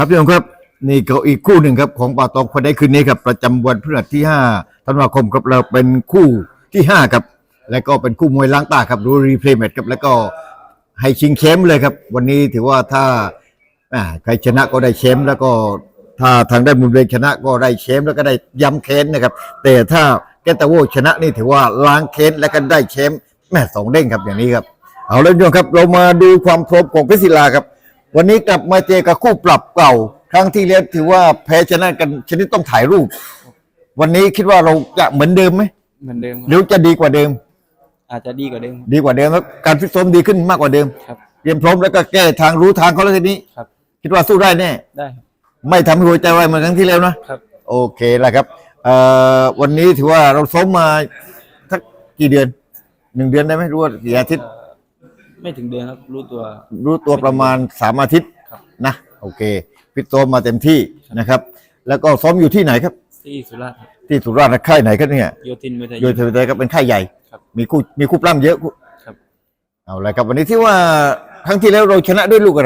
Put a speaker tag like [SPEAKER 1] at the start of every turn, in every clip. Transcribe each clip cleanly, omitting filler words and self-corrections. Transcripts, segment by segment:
[SPEAKER 1] ครับพี่น้องครับนี่ก็อีกคู่หนึ่งครับของป่าตองคนได้คืนนี้ครับประจำวันพฤหัสที่5ธันวาคมครับเราเป็นคู่ที่5ครับและก็เป็นคู่มวยล้างตาครับดูรีเพลย์แมตช์ครับแล้วก็ให้ชิงแชมป์เลยครับวันนี้ถือว่าถ้าใครชนะก็ได้แชมป์แล้วก็ถ้าทางได้มุมเดงชนะก็ได้แชมป์แล้วก็ได้ย้ำแค้นนะครับแต่ถ้าแกตาโวชนะนี่ถือว่าล้างแค้นและก็ได้แชมป์สองเด้งครับอย่างนี้ครับเอาเลยพี่น้องครับเรามาดูความพร้อมของเพชรศิลาครับวันนี้กลับมาเจอกับคู่ปรับเก่าครั้งที่แล้วถือว่าแพ้ชนะกันชนิดต้องถ่ายรูปวันนี้คิดว่าเราจะเหมือนเดิมไหม
[SPEAKER 2] เหมือนเดิม
[SPEAKER 1] หรือจะดีกว่าเดิม
[SPEAKER 2] อาจจะดีกว่าเดิม
[SPEAKER 1] ครับการฟิตซ้อมดีขึ้นมากกว่าเดิม
[SPEAKER 2] ครับ
[SPEAKER 1] เตรียมพร้อมแล้วก็แก้ทางรู้ทางเขาแล้วทีนี้
[SPEAKER 2] ครับ
[SPEAKER 1] คิดว่าสู้ได้แน่
[SPEAKER 2] ได้
[SPEAKER 1] ไม่ทำให้หัวใจวายเหมือนครั้งที่แล้วนะครับโอเคแล้วครับวันนี้ถือว่าเราซ้อมมาสักกี่เดือน1 เดือนได้ไหมรู้ว่ากี่อาทิตย์
[SPEAKER 2] ไม่ถึงเดือนครับรู้
[SPEAKER 1] ตัวประมาณ3 อาทิตย์นะโอเคฟิตซ้อมมาเต็มที่นะครับแล้วก็ซ้อมอยู่ที่ไหนครับ
[SPEAKER 2] ที่สุราษฎร์
[SPEAKER 1] ที่สุราษฎร์ค่ายไหนครับเนี่ย
[SPEAKER 2] โยธินมวยไทย
[SPEAKER 1] ครับเป็นค่ายใหญ่มีคู่ปล้ำเยอะ
[SPEAKER 2] ครับ
[SPEAKER 1] เอาละครับวันนี้ที่ว่าครั้งที่แล้วเราชนะด้วยลูกอะไร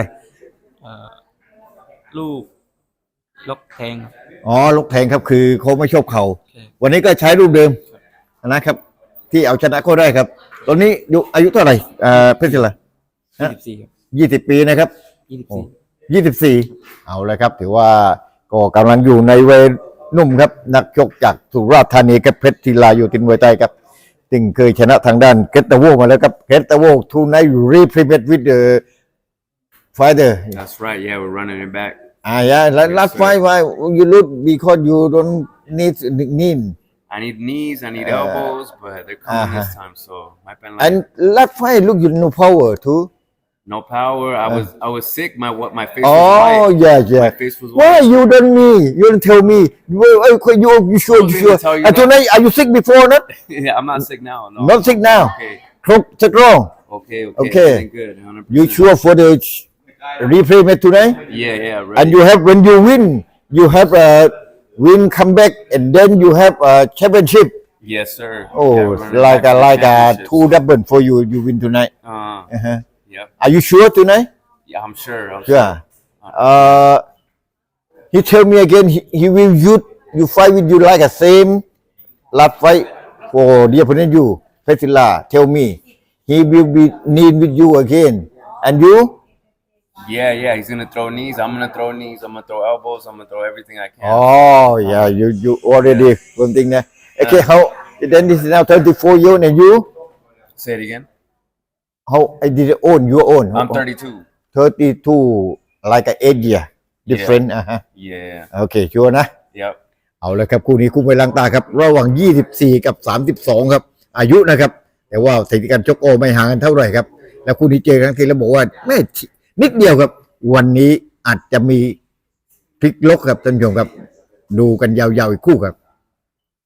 [SPEAKER 2] ลูกล็อกแทง
[SPEAKER 1] ลูกแทงครับคือเขาไม่ชอบเข่าวันนี้ก็ใช้รูปเดิมนะครับที่เอาชนะเขาได้ครับตอนนี้อายุเท่าไหร่เพชรศิลา20 ปีนะครับ24เอาเลยครับถือว่าก็กำลังอยู่ในวัยหนุ่มครับนักชกจากสุราษฎร์ธานีกับเพชรศิลาอยู่ตินมวยไทยครับซึ่งเคยชนะทางด้านเกตตาโวมาแล้วครับเกตตาโวทูไนท์รีเพลย์ with the fighter
[SPEAKER 3] That's right. Yeah, we're running it back.
[SPEAKER 1] Yeah, last fight why you lose because you don't need knee.
[SPEAKER 3] I need knees, I need elbows, but they're coming this time, so might be like.
[SPEAKER 1] And last fight look you no power too.
[SPEAKER 3] No power. I was sick. My face
[SPEAKER 1] was
[SPEAKER 3] white.
[SPEAKER 1] Oh yeah.
[SPEAKER 3] My face was white.
[SPEAKER 1] Why you don't me? You don't tell me. You sure? And tonight are you sick before not?
[SPEAKER 3] Yeah, I'm not sick now. No.
[SPEAKER 1] Not sick now.
[SPEAKER 3] Okay.
[SPEAKER 1] Strong.
[SPEAKER 3] Okay. Good. 100%.
[SPEAKER 1] You sure for the replay match tonight?
[SPEAKER 3] Yeah. Ready.
[SPEAKER 1] And you have when you win, you have a win comeback, and then you have a championship.
[SPEAKER 3] Yes, sir.
[SPEAKER 1] Oh,
[SPEAKER 3] yeah,
[SPEAKER 1] like a 2 double for you. You win tonight.
[SPEAKER 3] Yep.
[SPEAKER 1] Are you sure tonight?
[SPEAKER 3] Yeah, I'm sure.
[SPEAKER 1] Yeah. He tell me again. He will you fight with you like a same last fight for the opponent you. Pesila tell me he will be need with you again. And you?
[SPEAKER 3] Yeah. He's gonna throw knees. I'm gonna throw knees. I'm gonna throw elbows. I'm gonna throw everything I can.
[SPEAKER 1] Oh yeah, you already one thing there. Okay, how then this is now 34 years and you?
[SPEAKER 3] Say it again.
[SPEAKER 1] How I did it own your own?
[SPEAKER 3] I'm 32.
[SPEAKER 1] 32 like a 8 year different.
[SPEAKER 3] Yeah.
[SPEAKER 1] Okay, sure นะ
[SPEAKER 3] Yep.
[SPEAKER 1] เอาเลยครับคู่นี้คู่มวยล้างตาครับระหว่าง24กับ32ครับอายุนะครับแต่ว่าสถิติการชกไม่ห่างกันเท่าไหร่ครับแล้วคู่นี้เจอครั้งที่แล้วบอกว่าแม่นิดเดียวครับวันนี้อาจจะมีพลิกล็อกครับท่านผู้ชมครับดูกันยาวๆอีกคู่ครับ